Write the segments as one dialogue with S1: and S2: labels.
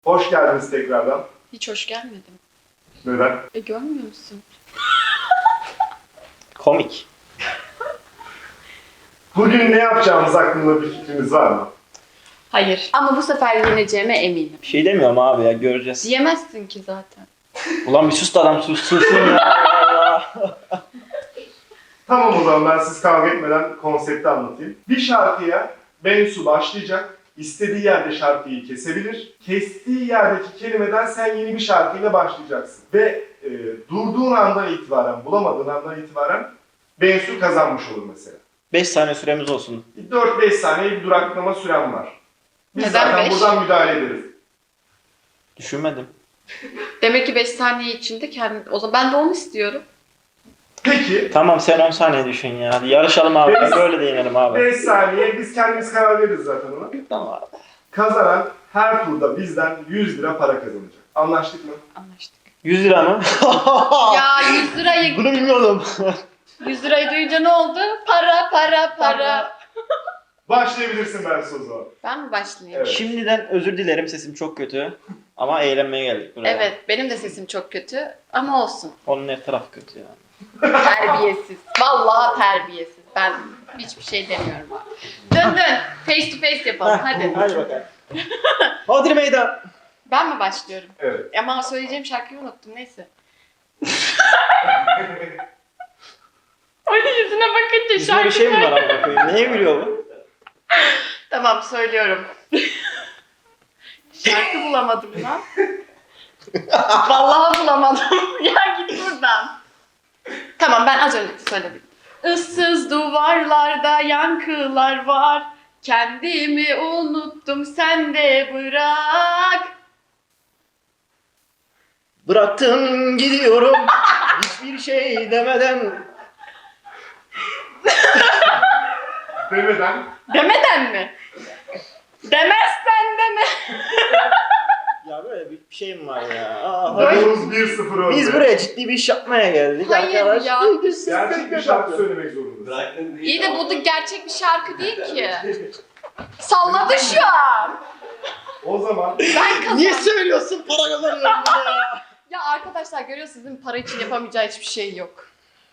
S1: Hoş geldiniz tekrardan.
S2: Hiç hoş gelmedim.
S1: Neden?
S2: Görmüyor musun?
S3: Komik.
S1: Bugün ne yapacağımız hakkında bir fikriniz var mı?
S2: Hayır. Ama bu sefer yeneceğime eminim.
S3: Bir şey demiyorum abi ya, göreceğiz.
S2: Diyemezsin ki zaten.
S3: Ulan bir sus da adam sussun ya. Allah.
S1: Tamam, o zaman ben siz kavga etmeden konsepti anlatayım. Bir şarkıya Bensu başlayacak. İstediği yerde şarkıyı kesebilir. Kestiği yerdeki kelimeden sen yeni bir şarkıyla başlayacaksın. Ve durduğun andan itibaren, bulamadığın andan itibaren Bensu kazanmış olur mesela.
S3: 5 saniye süremiz olsun.
S1: 4-5 saniye bir duraklama süren var. Biz
S2: Neden
S1: zaten
S2: 5?
S1: buradan müdahale ederiz.
S3: Düşünmedim.
S2: Demek ki 5 saniye içinde kendi... O zaman ben de onu istiyorum.
S1: Peki,
S3: Tamam, sen 10 saniye düşün ya. Hadi yarışalım abi.
S1: Beş-
S3: Böyle de yenelim abi.
S1: 5 saniye biz kendimiz karar veririz zaten ona.
S3: Tamam abi.
S1: Kazanan her turda bizden 100 lira para kazanacak. Anlaştık mı?
S2: Anlaştık.
S3: 100 lira mı?
S2: Ya 100 lirayı...
S3: Bunu bilmiyordum.
S2: 100 lirayı duyunca ne oldu? Para.
S1: Başlayabilirsin ben o zaman.
S2: Ben mi başlayayım?
S1: Evet.
S3: Şimdiden özür dilerim, sesim çok kötü. Ama eğlenmeye geldik buraya.
S2: Evet, benim de sesim çok kötü ama olsun.
S3: Onun her tarafı kötü ya.
S2: Terbiyesiz. Vallahi terbiyesiz. Ben hiçbir şey demiyorum. Dön. Face to face yapalım hadi.
S3: Hadi bakalım. Hadi meydan.
S2: Ben mi başlıyorum?
S1: Evet.
S2: Ama söyleyeceğim şarkıyı unuttum. Neyse. Onun yüzüne bakınca
S3: Yüzünde bir şey mi var amına koyayım? Neye gülüyor bu?
S2: Tamam söylüyorum. Şarkı bulamadım lan. Vallahi bulamadım. Ya git buradan. Tamam, ben az önce söyledim. Issız duvarlarda yankılar var. Kendimi unuttum, sen de bırak.
S3: Bıraktım gidiyorum. Hiçbir şey demeden.
S1: Demeden
S2: Demeden mi? Demezsen deme.
S3: Ya böyle bir şeyim var ya. Aa,
S2: Böyle-
S3: hadi.
S1: Yavuz 1-0 önde.
S3: Biz buraya ciddi bir iş yapmaya geldik
S2: Hayır
S3: arkadaş.
S2: ya.
S1: Gerçek bir şarkı söylemek zorundasın.
S4: Bıraktın değil.
S2: İyi de bu da gerçek bir şarkı değil ki. Salladı şu an.
S1: O zaman
S2: Ben kazandım.
S3: Niye söylüyorsun, para kazanıyorum ya?
S2: Ya arkadaşlar görüyorsunuz değil mi? Para için yapamayacağı hiçbir şey yok.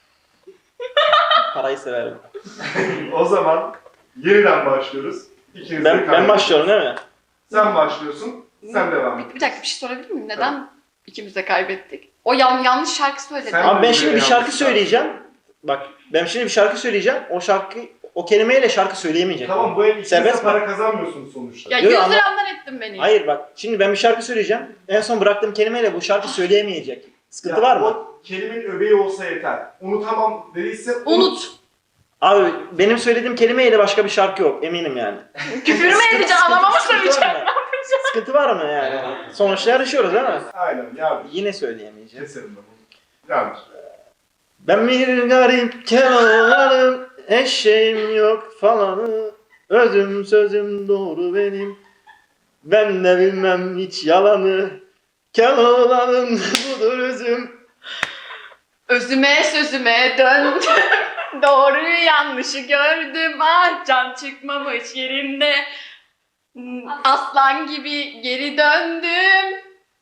S3: Parayı severim.
S1: o zaman yeniden başlıyoruz. İkiniz de
S3: Ben
S1: kaybediyorsunuz.
S3: başlıyorum değil mi?
S1: Sen başlıyorsun, sen devam et.
S2: Bir dakika, bir şey sorabilir miyim? Neden ikimiz de kaybettik? O yanlış şarkı söyledi.
S1: Sen-
S3: Abi ben şimdi bir
S1: yanlış
S3: şarkı
S1: şarkı.
S3: söyleyeceğim. Bak ben şimdi bir şarkı söyleyeceğim. O kelimeyle şarkı söyleyemeyecek.
S1: Tamam, bu el ikiniz de
S3: Serbest mi?
S1: para kazanmıyorsunuz sonuçta.
S2: Ya
S3: Yok,
S2: 100
S3: ama-
S2: liramdan ettin beni.
S3: Hayır bak, şimdi ben bir şarkı söyleyeceğim. En son bıraktığım kelimeyle bu şarkı söyleyemeyecek. Sıkıntı var mı?
S1: O kelimenin öbeği olsa yeter. Unutamam dediyse
S2: Unut.
S3: Abi benim söylediğim kelimeyle başka bir şarkı yok, eminim yani.
S2: Küfür mü edeceksin? Anama mı söyleyeceksin?
S3: Sıkıntı var mı yani? Sonuçta yarışıyoruz değil mi?
S1: Aynen, yardır.
S3: Yine söyleyemeyeceğim.
S1: Keserim ben bunu. Yardır.
S3: Ben bir garip keloğlanım, eşeğim yok falanı, özüm sözüm doğru benim, ben de bilmem hiç yalanı, keloğlanım budur özüm.
S2: Özüme sözüme döndüm. Doğruyu yanlışı gördüm. Ah, can çıkmamış yerinde. Aslan gibi geri döndüm.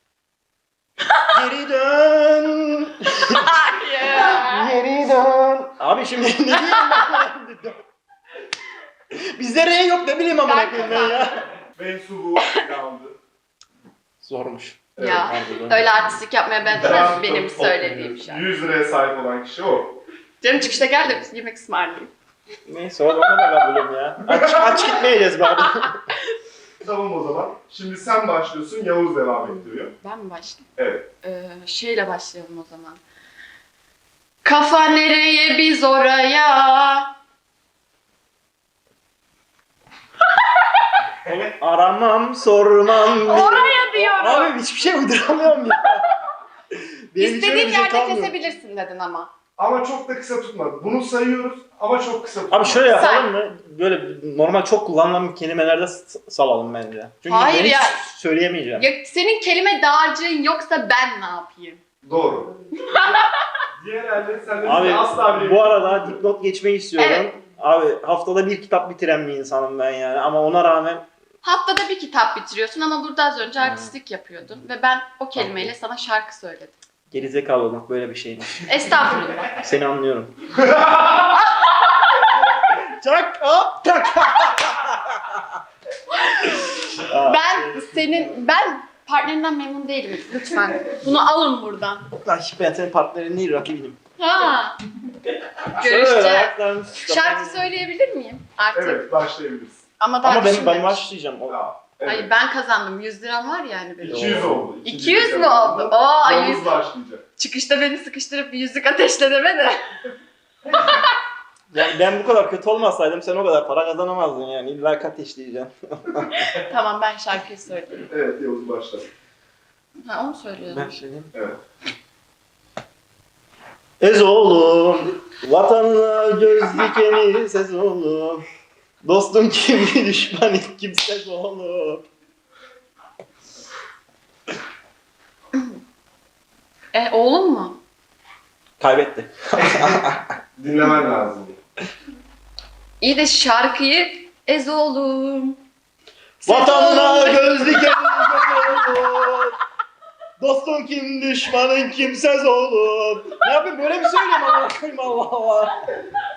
S3: Geri dön,
S2: Hayır.
S3: geri dön. Abi şimdi ne diyeyim ben? Bizde R yok, ne bileyim amına koyayım ben ya.
S1: Bensu bu roundu.
S3: Zormuş.
S2: Ya
S3: harbiden.
S2: öyle artistik yapmaya benzemez
S1: Round
S2: benim
S1: top
S2: söylediğim şey.
S1: 100 liraya sahip olan kişi o.
S2: Canım çıkışta gel de yemek ısmarlayayım.
S3: Neyse o zaman da kabulüm ya. Aç gitmeyeceğiz bari.
S1: Tamam o zaman. Şimdi sen başlıyorsun, Yavuz devam ettiriyor.
S2: Ben mi başlayayım?
S1: Evet.
S2: Şeyle başlayalım o zaman. Kafa nereye biz oraya.
S3: Aramam, sormam.
S2: Oraya diyorum.
S3: Abi hiçbir şey uyduramıyorum ya. Benim hiç öyle
S2: İstediğin
S3: bir şey
S2: yerde
S3: kalmıyor.
S2: kesebilirsin dedin ama.
S1: Ama çok da kısa tutmadı. Bunu sayıyoruz ama çok kısa tutmadı.
S3: Abi şöyle
S2: Say.
S3: yapalım mı? Böyle normal çok kullanılan kelimelerde salalım bence. Çünkü
S2: Hayır
S3: ben hiç
S2: ya.
S3: söyleyemeyeceğim.
S2: Ya senin kelime dağarcığın yoksa ben ne yapayım?
S1: Doğru. Diğer elde senden
S3: Abi
S1: asla bile
S3: bu arada dipnot geçmeyi istiyorum.
S2: Evet.
S3: Abi haftada bir kitap bitiren bir insanım ben yani. Ama ona rağmen
S2: Haftada bir kitap bitiriyorsun ama burada az önce artistlik yapıyordun. Ve ben o kelimeyle sana şarkı söyledim.
S3: Gerizekalı olmak böyle bir şeymiş.
S2: Estağfurullah.
S3: Seni anlıyorum. Çak hop tak.
S2: Ben partnerinden memnun değilim. Lütfen. Bunu alın buradan.
S3: Ben senin partnerin değil, rakibinim.
S2: Ha.
S3: Şöyle
S2: Görüşeceğiz.
S3: ayaklarını
S2: Şarkı söyleyebilir miyim artık?
S1: Evet, başlayabiliriz.
S2: Ama daha
S3: Ama ben
S2: düşünmemiş.
S3: başlayacağım.
S1: Ya, evet.
S2: Ay ben kazandım. 100 liram var yani benim.
S1: 200 oldu.
S2: 200 mü oldu? Oo,
S1: Yavuz
S2: 100.
S1: başlayacak.
S2: Çıkışta beni sıkıştırıp bir yüzük ateşle deme de.
S3: Yani ben bu kadar kötü olmasaydım sen o kadar para kazanamazdın yani. İlla ateşleyeceğim.
S2: Tamam ben şarkıyı söyleyeyim.
S1: Evet, Yavuz başla.
S2: Ha onu söylüyorum.
S3: Ben söyleyeyim.
S1: Evet.
S3: Ezoğlum, vatanına göz dikeni ses oğlum. Dostum kim, düşman kimsez oğlum.
S2: Oğlum mu?
S3: Kaybetti.
S1: Dinlemen lazım.
S2: İyi de şarkıyı oğlum.
S3: Vatanına göz dikeni ses oğlum. Dostum kim, düşmanın kimsez oğlum. Ne yapayım böyle mi söyleyeyim ama koyayım Allah Allah.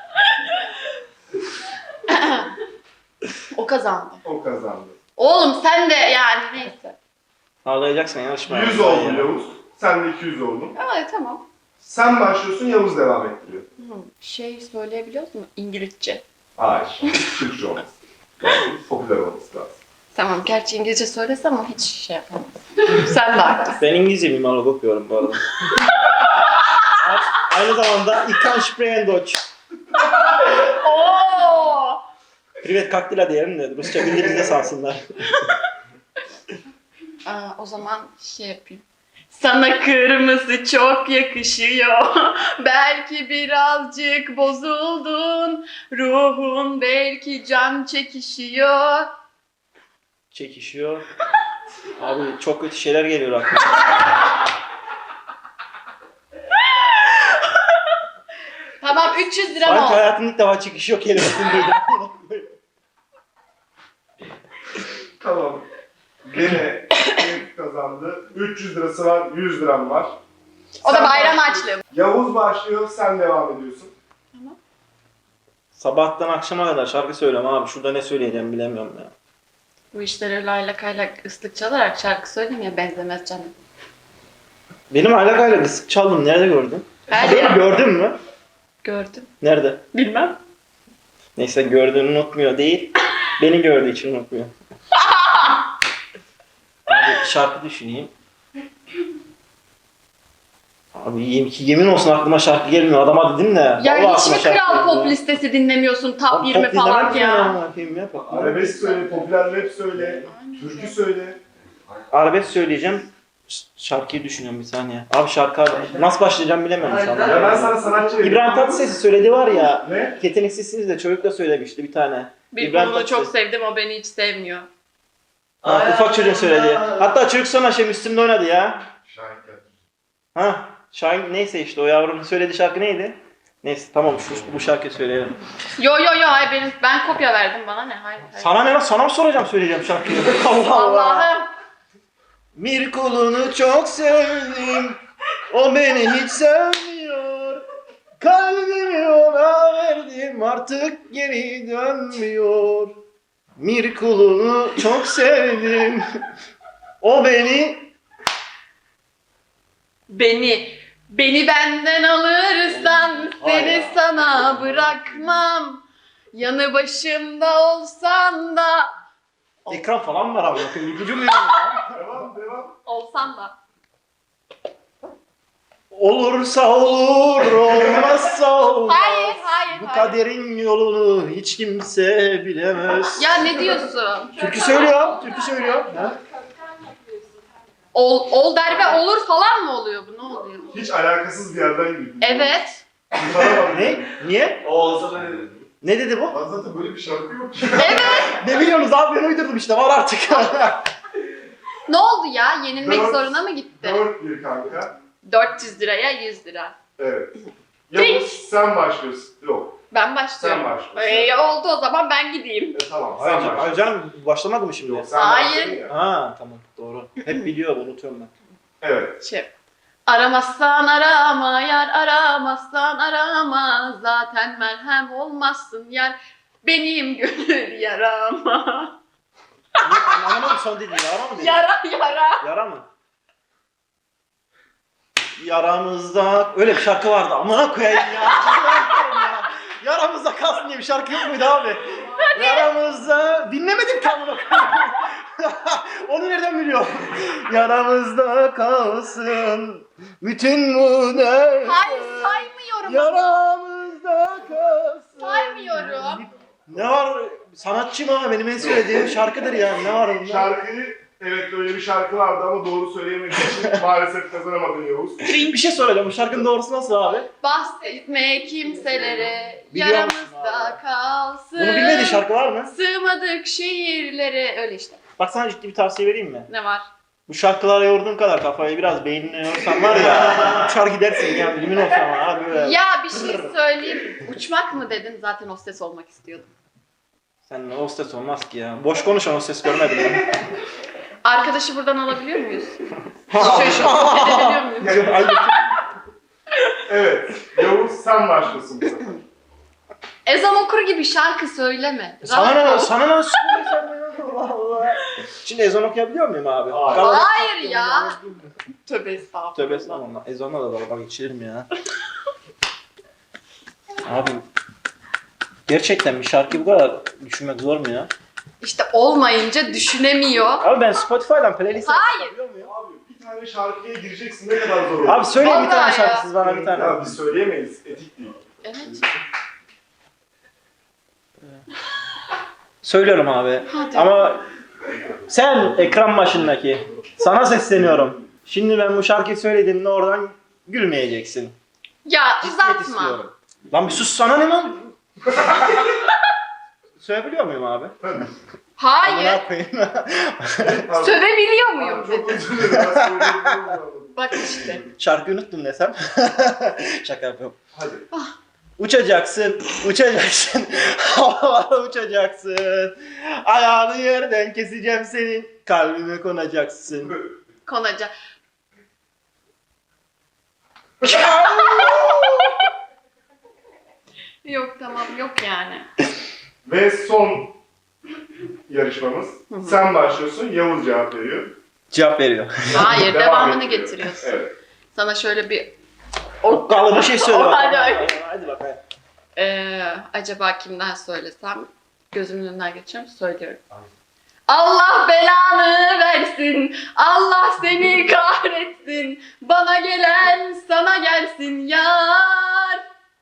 S2: O kazandı.
S1: O kazandı.
S2: Oğlum sen de yani neyse.
S3: Ağlayacaksın yarışmaya.
S1: 100 oldu Yavuz. Sen de 200 oldun.
S2: Evet tamam.
S1: Sen başlıyorsun, Yavuz devam ettiriyor.
S2: Şey söyleyebiliyor musun? İngilizce.
S1: Hayır. Türkçe olması lazım. Popüler olması lazım.
S2: Tamam gerçi İngilizce söylesem ama hiç şey yapamam. Sen de haklısın.
S3: Ben İngilizce mimarlık okuyorum bu arada. Aynı zamanda ich kann sprechen Deutsch.
S2: Oo!
S3: Privet kaktila diyelim de Rusça bildiğimizde sansınlar.
S2: O zaman şey yapayım. Sana kırmızı çok yakışıyor. Belki birazcık bozuldun. Ruhun belki can çekişiyor.
S3: Çekişiyor. Abi çok kötü şeyler geliyor aklıma.
S2: Tamam 300 lira
S3: Sanki
S2: oldu.
S3: hayatımda ilk defa çekişiyor kelimesini duydum.
S1: Tamam. Gene Elif kazandı. 300 lirası var, 100 liram var.
S2: O da
S1: Sen
S2: bayram
S1: başlıyorsun.
S2: harçlığı.
S1: Yavuz başlıyor, sen devam ediyorsun.
S3: Sabahtan akşama kadar şarkı söylüyorum abi. Şurada ne söyleyeceğim bilemiyorum ya.
S2: Bu işlere layla kayla ıslık çalarak şarkı söylemeye benzemez canım.
S3: Benim alakayla kısık çaldım. Nerede gördün?
S2: Ben
S3: Beni gördün mü?
S2: gördüm.
S3: Nerede?
S2: Bilmem.
S3: Neyse gördüğünü unutmuyor değil. Beni gördüğü için unutmuyor. Abi şarkı düşüneyim. Abi yemin olsun aklıma şarkı gelmiyor. Adama dedim de.
S2: Ya
S3: vallahi
S2: hiç
S3: aklıma
S2: mi
S3: şarkı
S2: kral
S3: gelmiyor.
S2: pop listesi dinlemiyorsun top
S3: Abi
S2: 20
S3: pop
S2: falan
S3: dinlemem
S2: ya?
S3: ki yapayım ya. Pop.
S1: Arabesk söyle, popüler rap söyle, türkü söyle.
S3: Arabesk söyleyeceğim. Şarkıyı düşünüyorum bir saniye. Abi şarkı nasıl başlayacağım bilemiyorum şu anda.
S1: Ya ben sana sanatçı vereyim.
S3: İbrahim Tatlıses'i söyledi var ya.
S1: Ne?
S3: Yeteneksizsiniz de çocuk da söylemişti bir tane.
S2: Bir
S3: İbrahim
S2: bunu çok
S3: Tatlıses.
S2: sevdim o beni hiç sevmiyor.
S3: Ha, ufak çocuğun söyledi. Hatta çocuk sonra şey Müslüm'de oynadı ya.
S1: Şahin Kadir.
S3: Ha, Şahin neyse işte o yavrunun söylediği şarkı neydi? Neyse tamam bu şarkıyı söyleyelim.
S2: Yo hayır ben kopya verdim bana ne hayır.
S3: Sana ne lan? Sana mı soracağım söyleyeceğim şarkıyı? Allah Allah.
S2: Allah'ım.
S3: Bir kulunu çok sevdim. O beni hiç sevmiyor. Kalbimi ona verdim artık geri dönmüyor. Bir kulunu çok sevdim. O
S2: Beni benden alırsan
S3: Hayır.
S2: seni sana bırakmam. Yanı başımda olsan da
S3: ekran falan var abi. Bakın ipucu mu
S1: Devam.
S2: olsan da.
S3: Olursa olur, olmazsa olmaz.
S2: Hayır.
S3: Bu kaderin yolunu hiç kimse bilemez.
S2: Ya ne diyorsun?
S3: Türkü söylüyor. Ha?
S2: Ol der ve olur falan mı oluyor bu? Ne oluyor?
S1: Hiç alakasız bir yerden girdin.
S2: Evet.
S1: Kurtaramadım.
S3: Ne? Niye?
S1: O olsa da ne dedi?
S3: Ne dedi bu?
S1: Lan zaten böyle bir şarkı yok ki.
S3: Ne biliyorsunuz abi ben uydurdum işte var artık.
S2: Ne oldu ya? Yenilmek
S1: Dört.
S2: zoruna mı gitti?
S1: 4-1 kanka.
S2: 400 liraya 100 lira.
S1: Evet. Yavuz sen başlıyorsun. Yok.
S2: Ben başlıyorum.
S1: Sen başlıyorsun.
S2: Oldu o zaman ben gideyim.
S1: Tamam sen
S3: Hayır
S1: başlıyorsun.
S3: canım başlamadı mı şimdi?
S1: Yok, sen
S2: Hayır.
S1: başladın ya.
S3: Ha tamam doğru. Hep biliyorum unutuyorum ben.
S1: Evet.
S2: Aramazsan arama yar, aramazsan arama. Zaten merhem olmazsın yar. Benim gönül yarama.
S3: Anlamadım son dediğini. Yara mı dedin?
S2: Yara.
S3: Yara mı? Yaramızda öyle bir şarkı vardı. Amına koyayım ya. Yaramızda kalsın diye bir şarkı yok muydu abi? Yaramızda dinlemedim ki amına koyayım. Onu nereden biliyor? Yaramızda kalsın bütün bu ne?
S2: Hayır saymıyorum.
S3: Yaramızda kalsın.
S2: Saymıyorum.
S3: Ne var? Sanatçı mı? Benim en söylediğim şarkıdır yani. Ne var onda?
S1: Şarkıyı, evet böyle bir şarkı vardı ama doğru söyleyemediği için maalesef kazanamadın Yavuz.
S3: Bir şey söyleyeceğim. Bu şarkının doğrusu nasıl abi?
S2: Bahsetme kimselere,
S3: Biliyor musun
S2: yaramızda
S3: abi?
S2: kalsın.
S3: Bunu bilmediğin şarkı var mı?
S2: Sığmadık şehirlere. Öyle işte.
S3: Bak sana ciddi bir tavsiye vereyim mi?
S2: Ne var?
S3: Bu şarkılara yorduğun kadar kafayı biraz beynine yorsan var ya. Uçar gidersin ya. Bilimin olsa ama abi böyle.
S2: Ya bir şey söyleyeyim. Uçmak mı dedin? Zaten hostes olmak istiyordum.
S3: Sen hostes olmaz ki ya. Boş konuşan hostes görmedim ben.
S2: Arkadaşı buradan alabiliyor muyuz? Edebiliyor muyuz?
S1: Evet. Yavuz sen başlıyorsun bu sefer.
S2: Ezan okur gibi şarkı söyleme.
S3: Sana
S2: Rahat
S3: ne?
S2: ol.
S3: Sana ne? Sen ne? Allah Allah. Şimdi ezan okuyabiliyor muyum abi?
S1: Hayır.
S3: Kalabalık-
S2: Hayır ya. Tövbe estağfurullah.
S3: Tövbe estağfurullah. Ezanla da dalga geçirir mi ya? Abi gerçekten bir şarkı bu kadar düşünmek zor mu ya?
S2: İşte olmayınca düşünemiyor.
S3: Abi ben Spotify'dan playlist
S2: Hayır.
S3: yapabiliyor muyum?
S1: Abi bir tane şarkıya gireceksin ne kadar zor olur.
S3: Abi söyleyin bir
S2: Vallahi
S3: tane
S2: ya.
S3: şarkısız bana bir tane.
S1: Ya biz söyleyemeyiz. Etik değil.
S2: Evet.
S3: Söylüyorum abi.
S2: Hadi.
S3: Ama sen ekran başındaki sana sesleniyorum. Şimdi ben bu şarkıyı söylediğimde oradan gülmeyeceksin.
S2: Ya
S3: Ciddiyet
S2: uzatma.
S3: istiyorum. Lan bir sus sana ne lan? Söyleyebiliyor muyum abi?
S2: Hayır.
S3: Amına koyayım.
S1: Pardon.
S2: Sövebiliyor
S1: Abi,
S2: muyum
S1: çok
S2: dedi.
S1: özür dilerim. Ben söyleyebilirim.
S2: Bak işte.
S3: Şarkıyı unuttum desem. Şaka yapıyorum.
S1: Hadi.
S3: Uçacaksın, uçacaksın, havalara uçacaksın. Ayağını yerden keseceğim senin, kalbime konacaksın.
S2: Konaca. Yok tamam yok yani.
S1: Ve son yarışmamız. Sen başlıyorsun, Yavuz cevap veriyor.
S3: Cevap veriyor.
S2: Hayır
S1: Devam
S2: devamını
S1: ettiriyor.
S2: getiriyorsun.
S1: Evet.
S2: Sana şöyle bir
S3: Okkalı bir şey söyle
S2: Hadi,
S3: bakalım.
S2: hadi.
S3: Hadi bakalım.
S2: Acaba kimden söylesem gözümün önünden geçiyorum söylüyorum. Allah belanı versin, Allah seni kahretsin, bana gelen sana gelsin yar.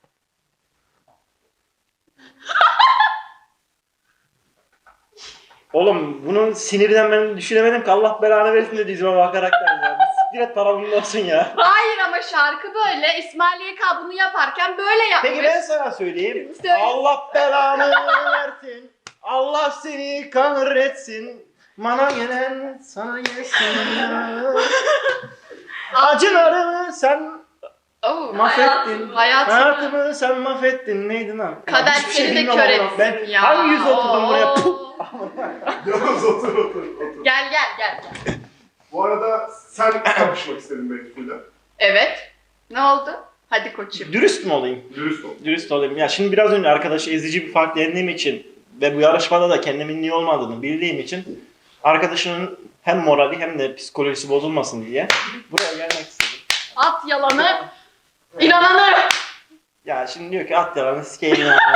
S3: Oğlum bunun sinirden ben düşünemedim ki Allah belanı versin de dizime bakarak da ya. Siktir et para bunun olsun ya.
S2: Hayır ama şarkı böyle, İsmail YK bunu yaparken böyle yapmış.
S3: Peki ben sana söyleyeyim.
S2: Söyle.
S3: Allah belanı versin. Allah seni kahretsin. Bana gelen sana gelsin ya. Acılarımı sen
S2: Oh,
S3: mahvettin.
S2: hayatımı.
S3: Hayatımı sen mahvettin. Neydi lan?
S2: Kader
S3: Hiçbir şey
S2: seni de
S3: bilmiyorum
S2: kör
S3: oğlum.
S2: etsin
S3: Ben
S2: ya.
S3: hangi yüzle oturdum buraya?
S2: Oo.
S3: Puh!
S1: Yavuz otur.
S2: Gel gel gel.
S1: Bu arada sen kapışmak istedin Bensu'yla.
S2: Evet. Ne oldu? Hadi koçum.
S3: Dürüst mü olayım?
S1: Dürüst ol.
S3: Dürüst olayım. Ya şimdi biraz önce arkadaşı ezici bir fark yendiğim için ve bu yarışmada da kendimin iyi olmadığını bildiğim için arkadaşının hem morali hem de psikolojisi bozulmasın diye buraya gelmek istedim.
S2: At yalanı, inananı.
S3: Ya şimdi diyor ki at yalanı sikeyim ya.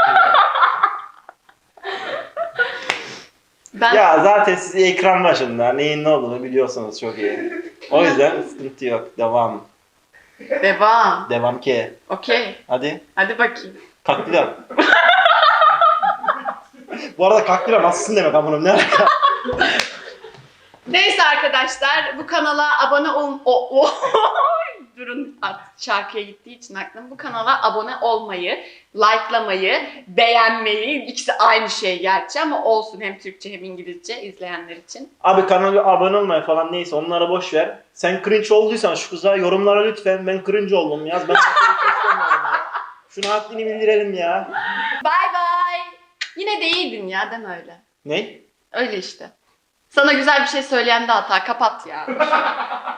S2: Ben
S3: Ya zaten siz ekran başında neyin ne olduğunu biliyorsunuz çok iyi. O yüzden sıkıntı yok. Devam.
S2: devam.
S3: Devam ki.
S2: Okey.
S3: Hadi.
S2: Hadi bakayım.
S3: Kaktıram. Bu arada kaktıram nasılsın demek amınım ne alaka?
S2: Neyse arkadaşlar bu kanala abone ol... Durun artık şarkıya gittiği için aklım. Bu kanala abone olmayı, likelamayı, beğenmeyi, ikisi aynı şey gerçi ama olsun hem Türkçe hem İngilizce izleyenler için.
S3: Abi kanala abone olmaya falan neyse onlara boş ver. Sen cringe olduysan şu kıza yorumlara lütfen ben cringe oldum yaz. Ben istemiyorum ya. Şuna haddini bildirelim ya.
S2: Yine de iyiydin ya, deme öyle.
S3: Ne?
S2: Öyle işte. Sana güzel bir şey söyleyen de hata. Kapat ya.